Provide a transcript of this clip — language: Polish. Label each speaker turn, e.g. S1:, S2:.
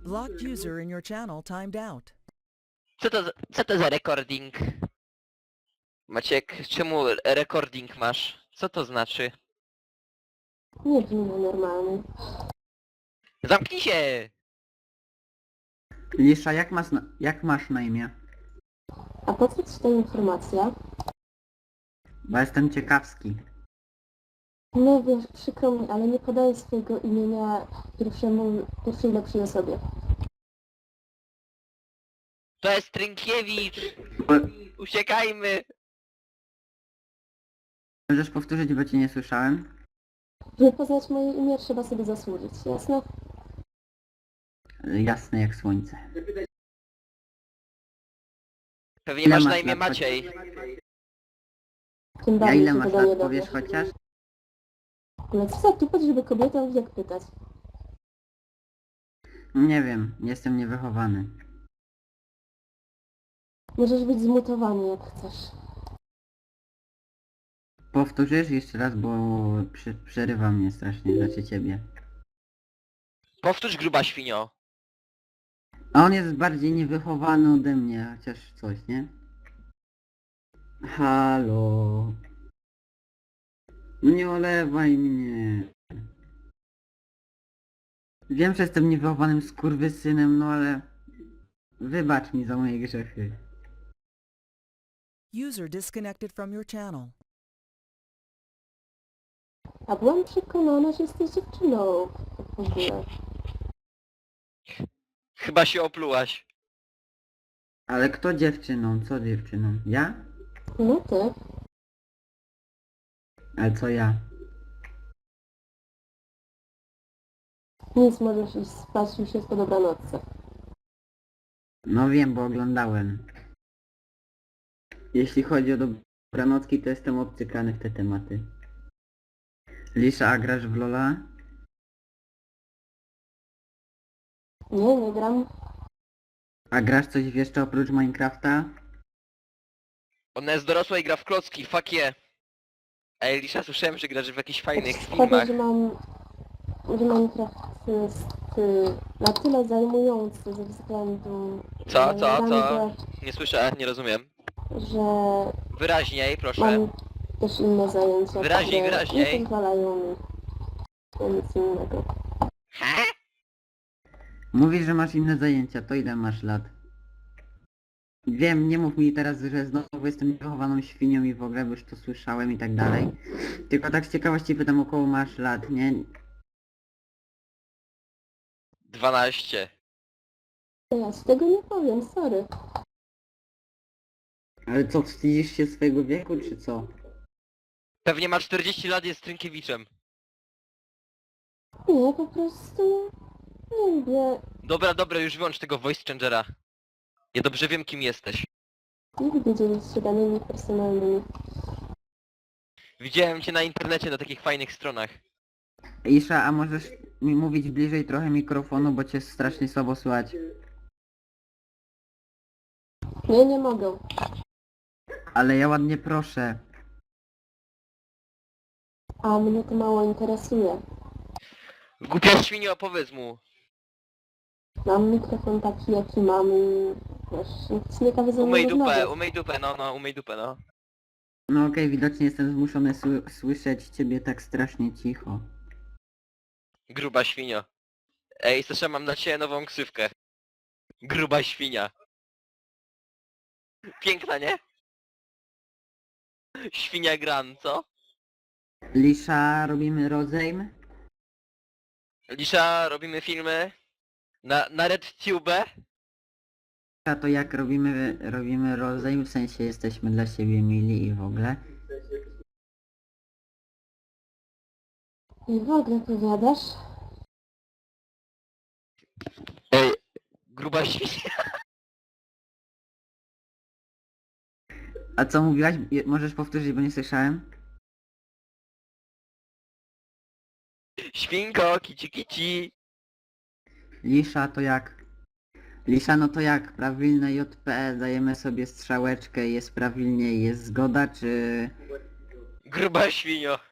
S1: Blocked user in your channel timed out.
S2: Co to za recording? Maciek, czemu recording masz? Co to znaczy?
S3: Nie brzmi na normalny.
S2: Zamknij się!
S4: Lisza, jak masz na imię?
S3: A po co ci ta informacja?
S4: Bo jestem ciekawski.
S3: No wiesz, przykro mi, ale nie podaję swojego imienia pierwszej lepszej osobie.
S2: To jest Trynkiewicz! Uciekajmy!
S4: Możesz powtórzyć, bo cię nie słyszałem?
S3: Żeby poznać moje imię, trzeba sobie zasłużyć, jasne?
S4: Jasne jak słońce.
S2: Pewnie
S4: Ile
S2: masz
S4: masz
S2: na imię
S4: lat?
S2: Maciej.
S3: Tym
S4: Ja
S3: bardziej
S4: ile
S3: się
S4: masz
S3: wydaje
S4: lat,
S3: dobre.
S4: powiesz chociaż?
S3: Ale co za tupet, żeby kobietę jak pytać?
S4: Nie wiem, jestem niewychowany.
S3: Możesz być zmutowany jak chcesz.
S4: Powtórzysz jeszcze raz, bo przerywa mnie strasznie, znaczy ciebie.
S2: Powtórz, gruba świnio.
S4: A on jest bardziej niewychowany ode mnie, chociaż coś, nie? Halo. No nie olewaj mnie. Wiem, że jestem niewychowanym skurwysynem, no ale... Wybacz mi za moje grzechy.
S1: User disconnected from your channel.
S3: A byłam przekonana, że jesteś dziewczyną. W ogóle.
S2: Chyba się oplułaś.
S4: Ale kto dziewczyną? Co dziewczyną? Ja?
S3: No ty.
S4: Ale co ja?
S3: Nic, możesz iść spać, już jest po dobranocce.
S4: No wiem, bo oglądałem. Jeśli chodzi o dobranocki, to jestem obcykany w te tematy. Lisza, a grasz w Lola?
S3: Nie, nie gram.
S4: A grasz coś jeszcze oprócz Minecrafta?
S2: Ona jest dorosła i gra w klocki, fuck yeah. Ej, Lisza, słyszałem, że grasz w jakichś fajnych
S3: Szkoda,
S2: filmach.
S3: że Minecraft jest na tyle zajmujący ze względu
S2: Co?
S3: na
S2: Co?
S3: rangę,
S2: Nie słyszę, nie rozumiem.
S3: że
S2: Wyraźniej, proszę.
S3: mam też inne zajęcia,
S2: Wyraźniej,
S3: które
S2: wyraźniej.
S3: nie pozwalają mi na nic innego.
S2: Ha?
S4: Mówisz, że masz inne zajęcia, to ile masz lat? Wiem, nie mów mi teraz, że znowu jestem niewychowaną świnią i w ogóle, bo już to słyszałem i tak dalej. Tylko tak z ciekawości pytam, około masz lat, nie?
S2: 12.
S3: Ja z tego nie powiem, sorry.
S4: Ale co, wstydzisz się swojego wieku, czy co?
S2: Pewnie ma 40 lat, jest Trynkiewiczem.
S3: Nie, po prostu nie lubię,
S2: Dobra, już wyłącz tego voice changera. Ja dobrze wiem, kim jesteś.
S3: nie lubię dzielić się danymi personalnymi.
S2: Widziałem cię na internecie na takich fajnych stronach.
S4: Isza, a możesz mi mówić bliżej trochę mikrofonu, bo cię strasznie słabo słychać.
S3: Nie, nie mogę.
S4: Ale ja ładnie proszę.
S3: A mnie to mało interesuje.
S2: Głupia świnio, opowiedz mu.
S3: Mam mikrofon taki, jaki mam i wiesz, nic nie każe ze mną rozmawiać.
S2: Umyj dupę, umyj dupę, no.
S4: No okej, widocznie jestem zmuszony słyszeć ciebie tak strasznie cicho.
S2: Gruba świnio. Ej, Sasza, mam dla ciebie nową ksywkę. Gruba świnia. Piękna, nie? Świnia Gran, co?
S4: Lisza, robimy rozejm?
S2: Lisza, robimy filmy na RedTube.
S4: A to jak robimy rozejm, w sensie jesteśmy dla siebie mili i w ogóle.
S3: I w ogóle powiadasz?
S2: Ej, gruba świnia.
S4: A co mówiłaś? Możesz powtórzyć, bo nie słyszałem?
S2: Świnko, kici kici.
S4: Lisza, to jak? Lisza, no to jak? Prawilne JP, dajemy sobie strzałeczkę, jest prawilnie, jest zgoda, czy...
S2: Gruba świnio.